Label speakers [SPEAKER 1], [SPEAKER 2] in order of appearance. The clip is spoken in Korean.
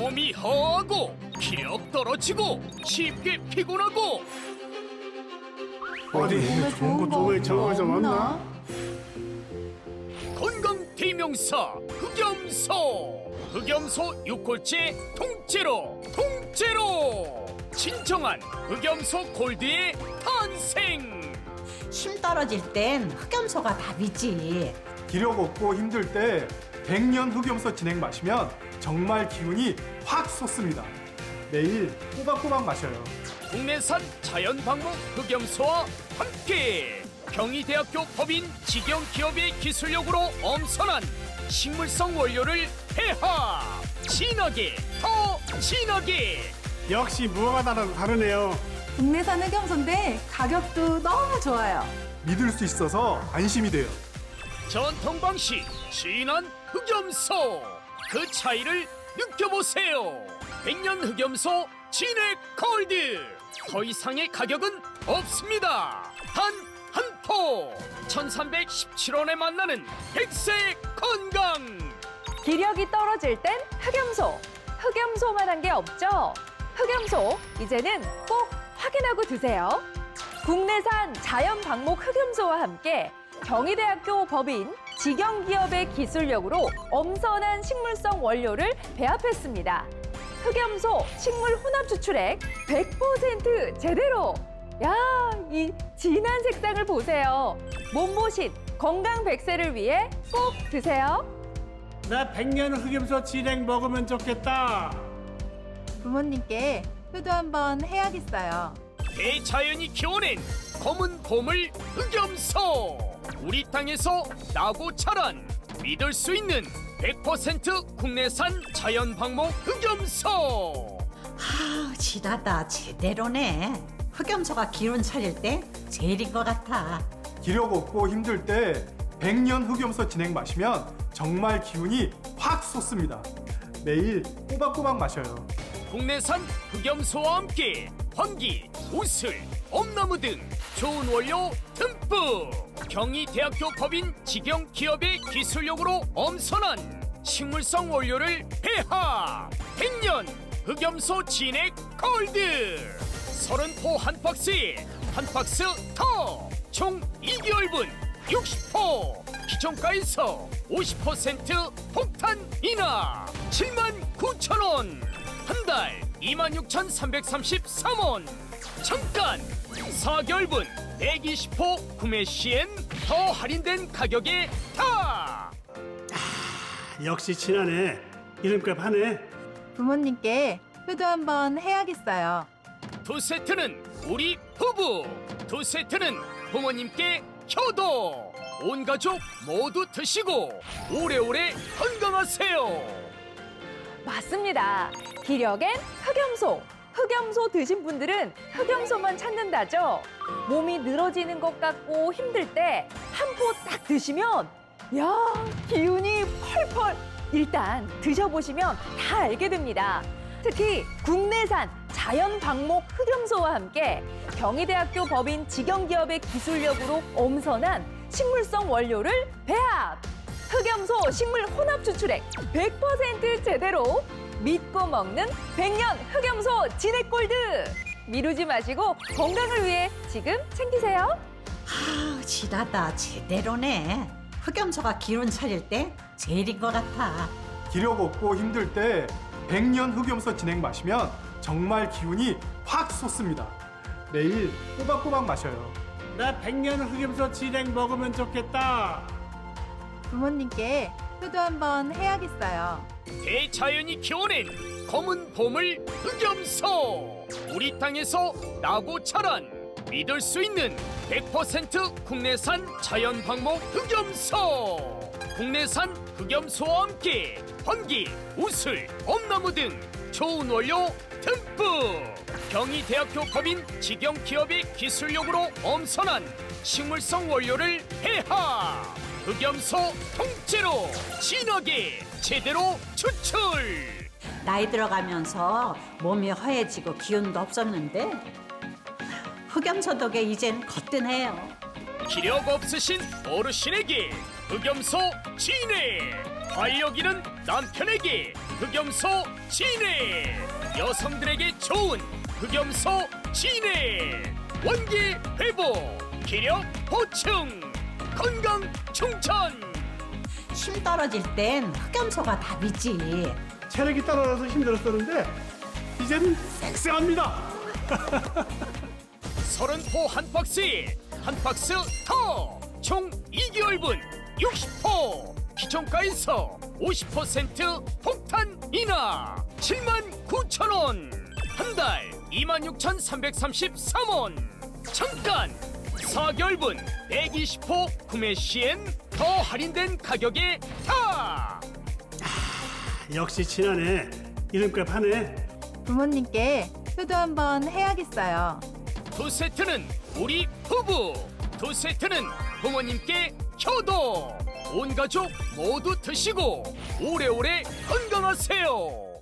[SPEAKER 1] 몸이 허하고 기력 떨어지고 쉽게 피곤하고
[SPEAKER 2] 어디
[SPEAKER 3] 몸에
[SPEAKER 2] 좋은 거 쪽에 적어서 왔나?
[SPEAKER 1] 건강 대명사 흑염소. 흑염소 6골째 통째로 진정한 흑염소 골드의 탄생.
[SPEAKER 4] 힘 떨어질 땐 흑염소가 답이지.
[SPEAKER 3] 기력 없고 힘들 때 백년 흑염소 진액 마시면 정말 기운이 확 솟습니다. 매일 꼬박꼬박 마셔요.
[SPEAKER 1] 국내산 자연 방목 흑염소와 함께 경희대학교 법인 직영기업의 기술력으로 엄선한 식물성 원료를 배합. 진하게 더 진하게.
[SPEAKER 2] 역시 무화과 나라도 다르네요.
[SPEAKER 5] 국내산 흑염소인데 가격도 너무 좋아요.
[SPEAKER 3] 믿을 수 있어서 안심이 돼요.
[SPEAKER 1] 전통 방식 진한 흑염소. 그 차이를 느껴보세요. 백년 흑염소 진액 골드. 더 이상의 가격은 없습니다. 단 한 포 1317원에 만나는 백세 건강.
[SPEAKER 6] 기력이 떨어질 땐 흑염소. 흑염소만 한 게 없죠. 흑염소 이제는 꼭 확인하고 드세요. 국내산 자연 방목 흑염소와 함께 경희대학교 법인 직영기업의 기술력으로 엄선한 식물성 원료를 배합했습니다. 흑염소 식물 혼합 추출액 100% 제대로. 야, 이 진한 색상을 보세요. 몸보신 건강 백세를 위해 꼭 드세요.
[SPEAKER 2] 나 백년 흑염소 진액 먹으면 좋겠다.
[SPEAKER 5] 부모님께 효도 한번 해야겠어요.
[SPEAKER 1] 대자연이 키워낸 검은 보물 흑염소. 우리 땅에서 나고 자란 믿을 수 있는 100% 국내산 자연 방목 흑염소.
[SPEAKER 4] 지다다 제대로네. 흑염소가 기운 차릴 때 제일인 것 같아.
[SPEAKER 3] 기력 없고 힘들 때 백년 흑염소 진액 마시면 정말 기운이 확 솟습니다. 매일 꼬박꼬박 마셔요.
[SPEAKER 1] 국내산 흑염소와 함께 환기, 우슬, 엄나무 등 좋은 원료 듬뿍. 경희대학교 법인 직영기업의 기술력으로 엄선한 식물성 원료를 배합. 백년 흑염소 진액 골드. 30포 한 박스에 한 박스 더. 총 2개월분 60포. 기존가에서 50% 폭탄 인하. 79,000원. 한 달 26,333원. 잠깐 4개월분 120호 구매 시엔 더 할인된 가격에 다.
[SPEAKER 2] 역시 친하네. 이름값 하네.
[SPEAKER 5] 부모님께 효도 한번 해야겠어요.
[SPEAKER 1] 두 세트는 우리 부부. 두 세트는 부모님께 효도. 온 가족 모두 드시고 오래오래 건강하세요.
[SPEAKER 6] 맞습니다. 기력엔 흑염소. 흑염소 드신 분들은 흑염소만 찾는다죠. 몸이 늘어지는 것 같고 힘들 때 한 포 딱 드시면 야, 기운이 펄펄. 일단 드셔보시면 다 알게 됩니다. 특히 국내산 자연 방목 흑염소와 함께 경희대학교 법인 직영기업의 기술력으로 엄선한 식물성 원료를 배합. 흑염소 식물 혼합 추출액 100% 제대로. 믿고 먹는 백년 흑염소 진액 골드. 미루지 마시고 건강을 위해 지금 챙기세요.
[SPEAKER 4] 지다다 제대로네. 흑염소가 기운 차릴 때 제일인 것 같아.
[SPEAKER 3] 기력 없고 힘들 때 백년 흑염소 진액 마시면 정말 기운이 확 솟습니다. 매일 꼬박꼬박 마셔요.
[SPEAKER 2] 나 백년 흑염소 진액 먹으면 좋겠다.
[SPEAKER 5] 부모님께 효도 한번 해야겠어요.
[SPEAKER 1] 대자연이 키워낸 검은 보물 흑염소. 우리 땅에서 나고 자란 믿을 수 있는 100% 국내산 자연 방목 흑염소. 국내산 흑염소와 함께 환기, 우슬, 엄나무 등 좋은 원료 듬뿍. 경희대학교 법인 직영기업의 기술력으로 엄선한 식물성 원료를 배합. 흑염소 통째로 진하게 제대로 추출.
[SPEAKER 4] 나이 들어가면서 몸이 허해지고 기운도 없었는데 흑염소 덕에 이젠 거뜬해요.
[SPEAKER 1] 기력 없으신 어르신에게 흑염소 진액 반려기는 남편에게 흑염소 진해, 여성들에게 좋은 흑염소 진해, 원기 회복, 기력 보충, 건강 충전.
[SPEAKER 4] 힘 떨어질 땐 흑염소가 답이지.
[SPEAKER 2] 체력이 떨어져서 힘들었었는데 이제는 쌩쌩합니다.
[SPEAKER 1] 30포 한 박스에 한 박스 더, 총 2개월분 60포, 기존가에서 50% 폭탄 인하, 79,000원, 한 달 26,333원. 잠깐 4개월분 120포 구매 시엔 더 할인된 가격에 다.
[SPEAKER 2] 역시 친하네. 이름값 하네.
[SPEAKER 5] 부모님께 효도 한번 해야겠어요.
[SPEAKER 1] 2세트는 우리 부부, 2세트는 부모님께 효도. 온 가족 모두 드시고 오래오래 건강하세요.